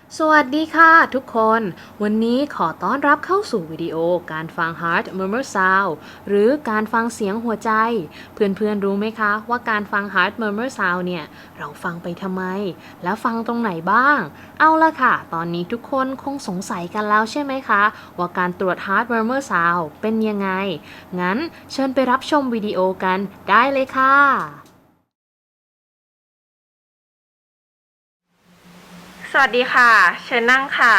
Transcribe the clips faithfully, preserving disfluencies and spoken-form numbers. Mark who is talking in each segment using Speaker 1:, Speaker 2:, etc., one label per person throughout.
Speaker 1: สวัสดีค่ะทุกคนวันนี้ขอต้อนรับเข้าสู่วิดีโอการฟัง Heart Murmur Sound หรือการฟังเสียงหัวใจ เพื่อนๆรู้ไหมคะว่าการฟัง Heart Murmur Sound เนี่ยเราฟังไปทำไมแล้วฟังตรงไหนบ้างเอาละค่ะตอนนี้ทุกคนคงสงสัยกันแล้วใช่ไหมคะว่าการตรวจ Heart Murmur Sound เป็นยังไงงั้นเชิญไปรับชมวิดีโอกันได้เลยค่ะ
Speaker 2: สวัสดีค่ะเชิญนั่งค่ะ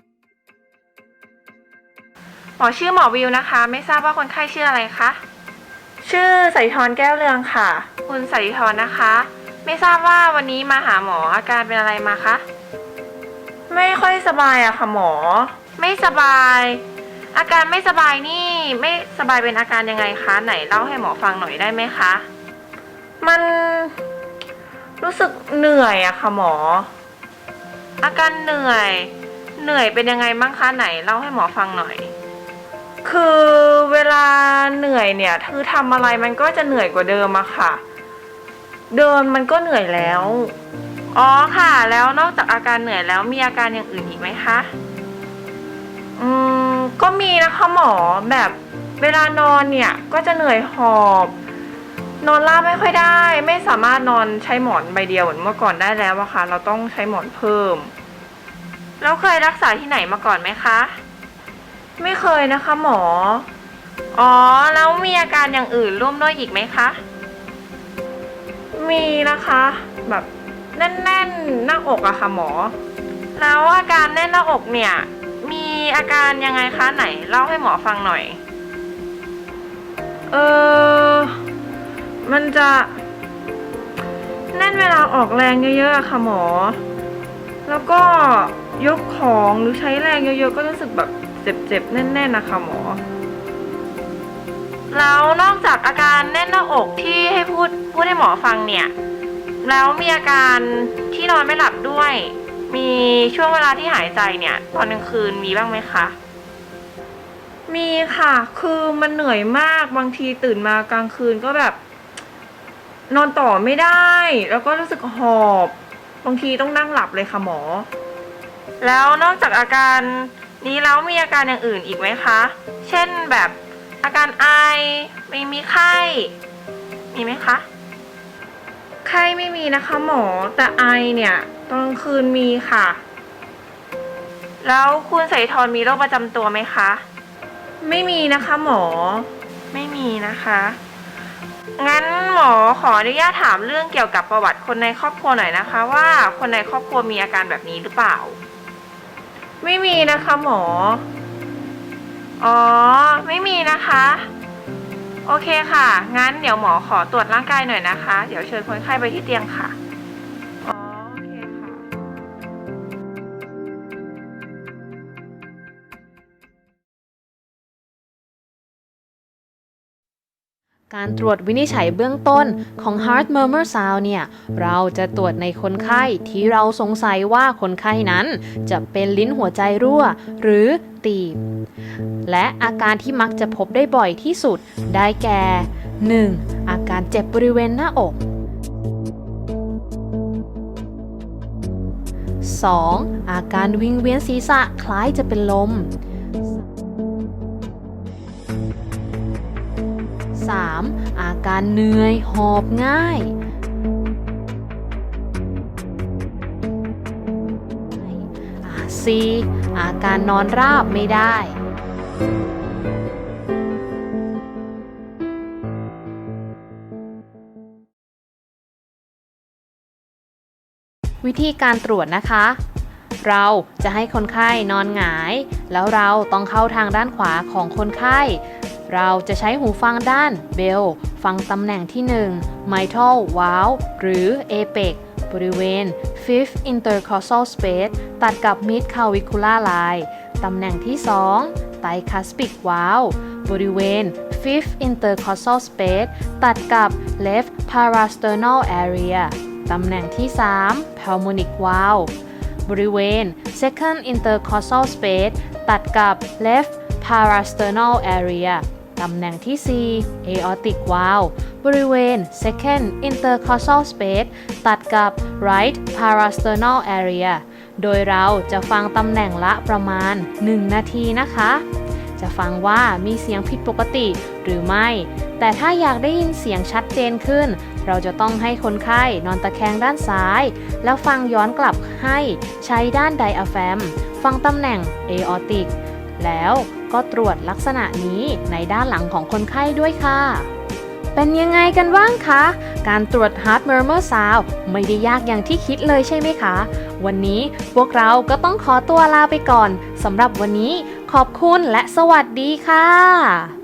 Speaker 2: หมอชื่อหมอวิวนะคะไม่ทราบว่าคนไข้ชื่ออะไรคะชื่อสายทรแก้วเรืองค่ะคุณสายทรนะคะไม่ทราบว่าวันนี้มาหาหมออาการเป็นอะไรมาคะไม่ค่อยสบายอะค่ะหมอไม่สบายอาการไม่สบายนี่ไม่สบายเป็นอาการยังไงคะไหนเล่าให้หมอฟังหน่อยได้ไหมคะมันรู้สึกเหนื่อยอะค่ะหมออาการเหนื่อยเหนื่อยเป็นยังไงบ้างคะไหนเล่าให้หมอฟังหน่อยคือเวลาเหนื่อยเนี่ยคือทำอะไรมันก็จะเหนื่อยกว่าเดิมอะค่ะเดินมันก็เหนื่อยแล้วอ๋อค่ะแล้วนอกจากอาการเหนื่อยแล้วมีอาการอย่างอื่นอีกไหมคะอืมก็มีนะคะหมอแบบเวลานอนเนี่ยก็จะเหนื่อยหอบนอนราบไม่ค่อยได้ไม่สามารถนอนใช้หมอนใบเดียวเหมือนเมื่อก่อนได้แล้วอะค่ะเราต้องใช้หมอนเพิ่มแล้วเคยรักษาที่ไหนมาก่อนไหมคะไม่เคยนะคะหมออ๋อแล้วมีอาการอย่างอื่นร่วมด้วยอีกไหมคะมีนะคะแบบแน่นๆหน้าอกอะค่ะหมอแล้วอาการแน่นหน้าอกเนี่ยมีอาการยังไงคะไหนเล่าให้หมอฟังหน่อยเออมันจะแน่นเวลาออกแรงเยอะๆอะค่ะหมอแล้วก็ยกของหรือใช้แรงเยอะๆก็รู้สึกแบบเจ็บๆแน่นๆนะคะหมอแล้วนอกจากอาการแน่นหน้าอกที่ให้พูดพูดให้หมอฟังเนี่ยแล้วมีอาการที่นอนไม่หลับด้วยมีช่วงเวลาที่หายใจเนี่ยตอนกลางคืนมีบ้างไหมคะมีค่ะคือมันเหนื่อยมากบางทีตื่นมากลางคืนก็แบบนอนต่อไม่ได้แล้วก็รู้สึกหอบบางทีต้องนั่งหลับเลยค่ะหมอแล้วนอกจากอาการนี้แล้วมีอาการอย่างอื่นอีกไหมคะเช่นแบบอาการไอไม่มีไข้มีไหมคะไข้ไม่มีนะคะหมอแต่ไอเนี่ยตอนกลางคืนมีค่ะแล้วคุณสายทรมีโรคประจำตัวไหมคะไม่มีนะคะหมอไม่มีนะคะงั้นหมอขออนุญาตถามเรื่องเกี่ยวกับประวัติคนในครอบครัวหน่อยนะคะว่าคนในครอบครัวมีอาการแบบนี้หรือเปล่าไม่มีนะคะหมออ๋อไม่มีนะคะโอเคค่ะงั้นเดี๋ยวหมอขอตรวจร่างกายหน่อยนะคะเดี๋ยวเชิญคนไข้ไปที่เตียงค่ะอ๋อโอเคค่ะ
Speaker 1: การตรวจวินิจฉัยเบื้องต้นของ Heart Murmur Sound เนี่ย เราจะตรวจในคนไข้ที่เราสงสัยว่าคนไข้นั้นจะเป็นลิ้นหัวใจรั่วหรือตีบ และอาการที่มักจะพบได้บ่อยที่สุดได้แก่ หนึ่ง. อาการเจ็บบริเวณหน้าอก สอง. อาการวิงเวียนศีรษะคล้ายจะเป็นลม สาม. อาการเหนื่อยหอบง่าย สี่. อาการนอนราบไม่ได้ วิธีการตรวจนะคะ เราจะให้คนไข้นอนหงายแล้วเราต้องเข้าทางด้านขวาของคนไข้เราจะใช้หูฟังด้านเบลฟังตำแหน่งที่หนึ่ง mitral valve หรือ apex บริเวณ fifth intercostal space ตัดกับ mid clavicular line ตำแหน่งที่สอง tricuspid valve บริเวณ fifth intercostal space ตัดกับ left parasternal area ตำแหน่งที่สาม pulmonic valve บริเวณ second intercostal space ตัดกับ left parasternal area ตำแหน่งที่สี่ aortic valve บริเวณ second intercostal space ตัดกับ right parasternal area โดยเราจะฟังตำแหน่งละประมาณหนึ่งนาทีนะคะจะฟังว่ามีเสียงผิดปกติหรือไม่แต่ถ้าอยากได้ยินเสียงชัดเจนขึ้นเราจะต้องให้คนไข้นอนตะแคงด้านซ้ายแล้วฟังย้อนกลับให้ใช้ด้านไดอะแฟมฟังตำแหน่งเอออติกแล้วก็ตรวจลักษณะนี้ในด้านหลังของคนไข้ด้วยค่ะเป็นยังไงกันบ้างคะการตรวจ Heart Murmur Sound ไม่ได้ยากอย่างที่คิดเลยใช่ไหมคะวันนี้พวกเราก็ต้องขอตัวลาไปก่อนสำหรับวันนี้ขอบคุณและสวัสดีค่ะ